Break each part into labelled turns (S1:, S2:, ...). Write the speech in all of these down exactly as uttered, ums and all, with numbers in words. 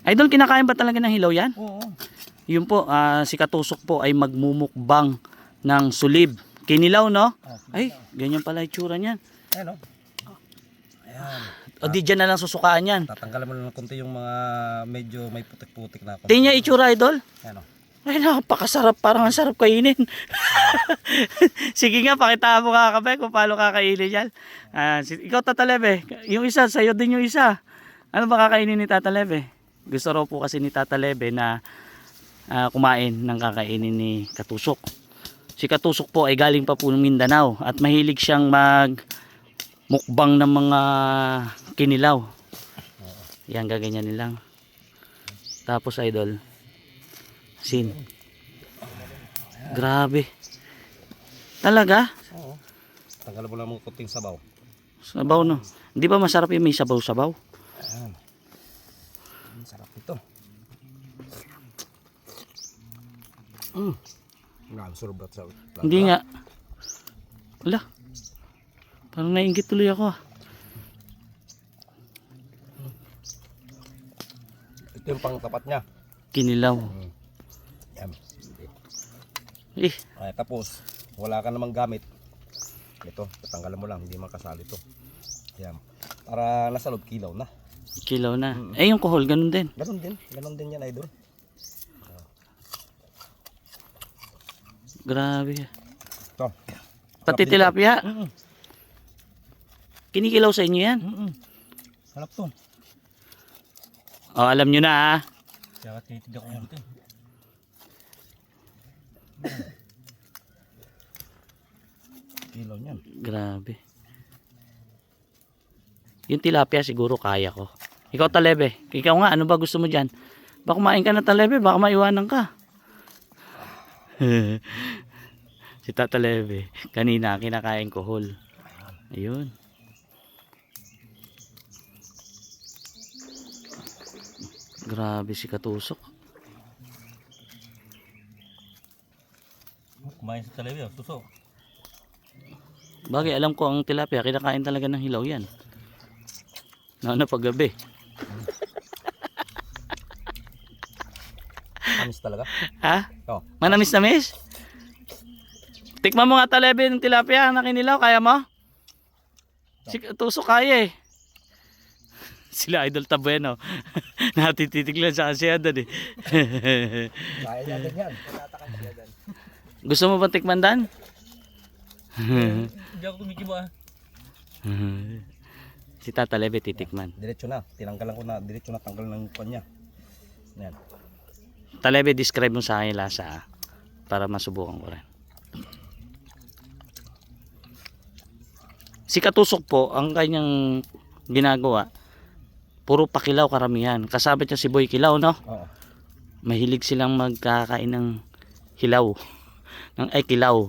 S1: Idol, kinakain ba talaga ng hilaw yan?
S2: Oo.
S1: Yun po, ah, si Katusok po ay magmumukbang ng sulib. Kinilaw, no?
S2: Oh,
S1: Ay, ganyan pala itsura niyan.
S2: Ayan o. Ayan.
S1: O di dyan na lang susukaan yan.
S2: Tatanggalan mo lang konti yung mga medyo may putik-putik na.
S1: Tingnan niya itsura, Idol.
S2: Ayan o.
S1: Ay, napakasarap. Parang ang sarap kainin. Sige nga, pakita mo nga kape kung paano kakainin yan. Ah, si, ikaw, Tata Lebe. Yung isa, sa'yo din yung isa. Ano ba kakainin ni Tata Lebe? Gusto raw po kasi ni Tata Lebe na ah, kumain ng kakainin ni Katusok. Si Katusok po ay galing pa po ng Mindanao at mahilig siyang mag mukbang ng mga kinilaw. Yan, gaganyanin lang. Tapos, Idol, sin. Grabe. Talaga?
S2: Oo. Tanggalan mo lang mga kunting sabaw.
S1: Sabaw, no? Hindi ba masarap yung may sabaw-sabaw?
S2: Ayan. Ang sarap ito. Mm. Ang surbat sa.
S1: Hindi nga. Wala. Parang nainggit tuloy ako ah.
S2: Ito yung pangtapat niya.
S1: Kinilaw.
S2: Mm. Yan.
S1: Eh,
S2: Ay, tapos, wala ka namang gamit. Ito, tatanggalan mo lang, hindi makasali ito. Yan. Para nasa loob kilaw na.
S1: kilaw na.
S2: Mm.
S1: Eh, yung kohol, ganun din.
S2: Ganon din, ganon din yan, idol.
S1: Grabe.
S2: Ito.
S1: Pati tilapia.
S2: Mm -mm.
S1: Kinikilaw sa inyo yan.
S2: Mm -mm. Sarap to.
S1: O, alam nyo na ah.
S2: Kaya titid ako yan ito. Kilaw niyan.
S1: Grabe. Yung tilapia siguro kaya ko. Ikaw, Talebe. Ikaw nga, ano ba gusto mo dyan? Baka kumain ka na, Talebe. Baka maiwanan ka. Si Tata Lebe. Kanina, kinakain kohol. Ayun. Grabe si Katusok.
S2: Kumain sa talabia, suso.
S1: Bagay, alam ko ang tilapia, kinakain talaga ng hilaw yan. Ano pag gabi.
S2: Amis talaga.
S1: Ha?
S2: Oh.
S1: Manamis-namis? Tikman mo nga, Talebe, ng tilapia na kinilaw. Kaya mo? Si Katusok kaya eh. Sila Idol Tabueno. Natititig lang sa kasyadan eh.
S2: Kaya niya din yan. Tatatakan siya din.
S1: Gusto mo bang tikman, Dan?
S2: Hindi ako kumikibo ah.
S1: Si Tata Lebe titikman.
S2: Diretso na. Tinanggalan ko na. Diretso na tanggal ng kanya. Yan.
S1: Talebe, describe mo sa akin yung lasa ah, para masubukan ko rin. Si Katusok po, ang kanyang ginagawa, puro pakilaw karamihan. Kasabit niya si Boy Kilaw, no?
S2: Oo.
S1: Mahilig silang magkakain ng hilaw. Ng ay kilaw.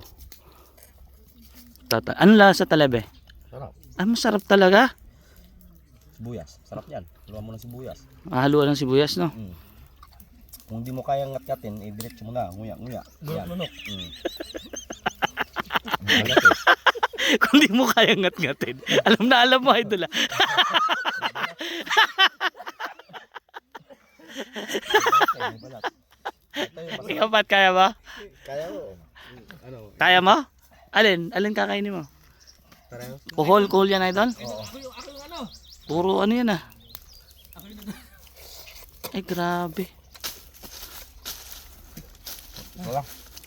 S1: Tata ano lasa, Talebe?
S2: Sarap.
S1: Ah, masarap talaga.
S2: Sibuyas. Sarap yan. Luwa mo ng sibuyas.
S1: Haluan ng sibuyas, no?
S2: Mm. Kung di mo kayang ngat-ngatin, eh, diretso mo na. Nguya, nguya. Yan. Lunok. Mm. Balat eh.
S1: Kung di mo kaya ngat-ngatin. Alam na alam mo, Idol ah.
S2: Balat eh, balat. Ito yung masarap.
S1: Ikaw ba't kaya ba?
S2: Kaya mo. Ano?
S1: Kaya mo? Alin? Alin kakainin mo?
S2: Pareho?
S1: Kuhol, kuhol yan, Idol?
S2: Oo.
S1: Puro ano yan ah. Ay, grabe.
S2: Wala.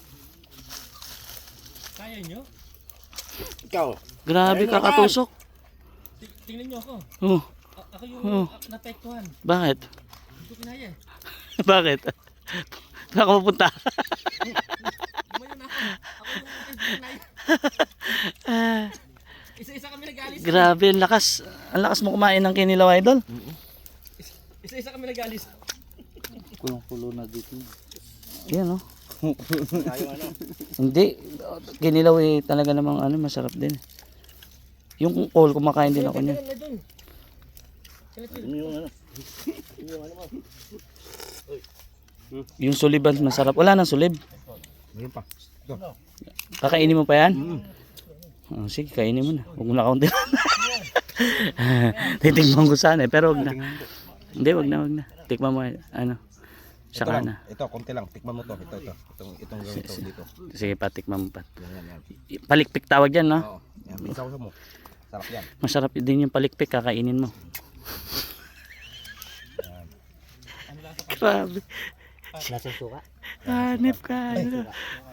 S3: Kaya nyo?
S2: Ikaw.
S1: Grabe ka, Katusok.
S3: Tingnan nyo ako.
S1: Oh,
S3: A- ako yung
S1: Oh.
S3: oh. napektuhan.
S1: bakit?
S3: Hindi ko kinaya eh.
S1: Bakit? Saan ka mapunta?
S3: Lumayo na ako. Ako yung hindi ko kinaya.
S1: Ah,
S3: Isa-isa kami nag-alis.
S1: grabe, ang lakas. Ang lakas mo kumain ng kinilaw, Idol.
S3: Isa-isa kami nag-alis.
S1: Kulong-kulo na dito. Yan, oh.
S2: Ayaw ano.
S1: Hindi. Kinilaw eh, talaga namang ano, masarap din. Yung kuhol, kumakain din ako niya.
S3: Kailan na dun? Kailan dun?
S2: Yung ano.
S1: Yung suliban, masarap. Wala nang sulib.
S2: Meron pa. Ito.
S1: Kakainin mo pa yan? Oh, sige, kainin mo na. Huwag mo na kaunti. Titingnan ko sana eh, pero huwag na. Hindi, wag na, wag na. Tikman mo, ano.
S2: Ito
S1: Saka
S2: lang,
S1: na.
S2: ito, konti lang. Tikman mo to. Ito, ito. Itong, itong ganito dito.
S1: Sige pa, tikman mo pa.
S2: Yan, yan, yan.
S1: Palikpik tawag yan, no?
S2: Oo. Yan, isaw mo. Sarap yan.
S1: Masarap din yung palikpik, kakainin mo.
S2: Yan.
S1: Grabe.
S3: Lasang suka.
S1: Hanip ka. ano.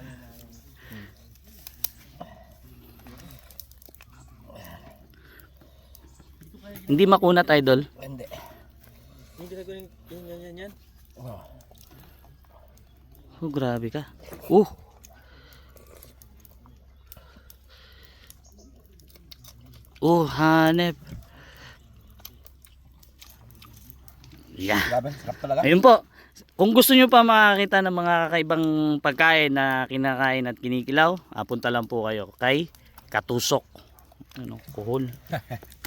S1: Hindi makunat, idol.
S2: Hindi.
S3: Hindi ka gawin yan, yan, yan, yan.
S2: Oh.
S1: Oh, grabe ka. Uh. Oh, hanep. Yeah.
S2: Grabe, sarap talaga.
S1: Ayun po. Kung gusto nyo pa makakita ng mga kakaibang pagkain na kinakain at kinikilaw, ah, punta lang po kayo kay Katusok. Ano, kuhol.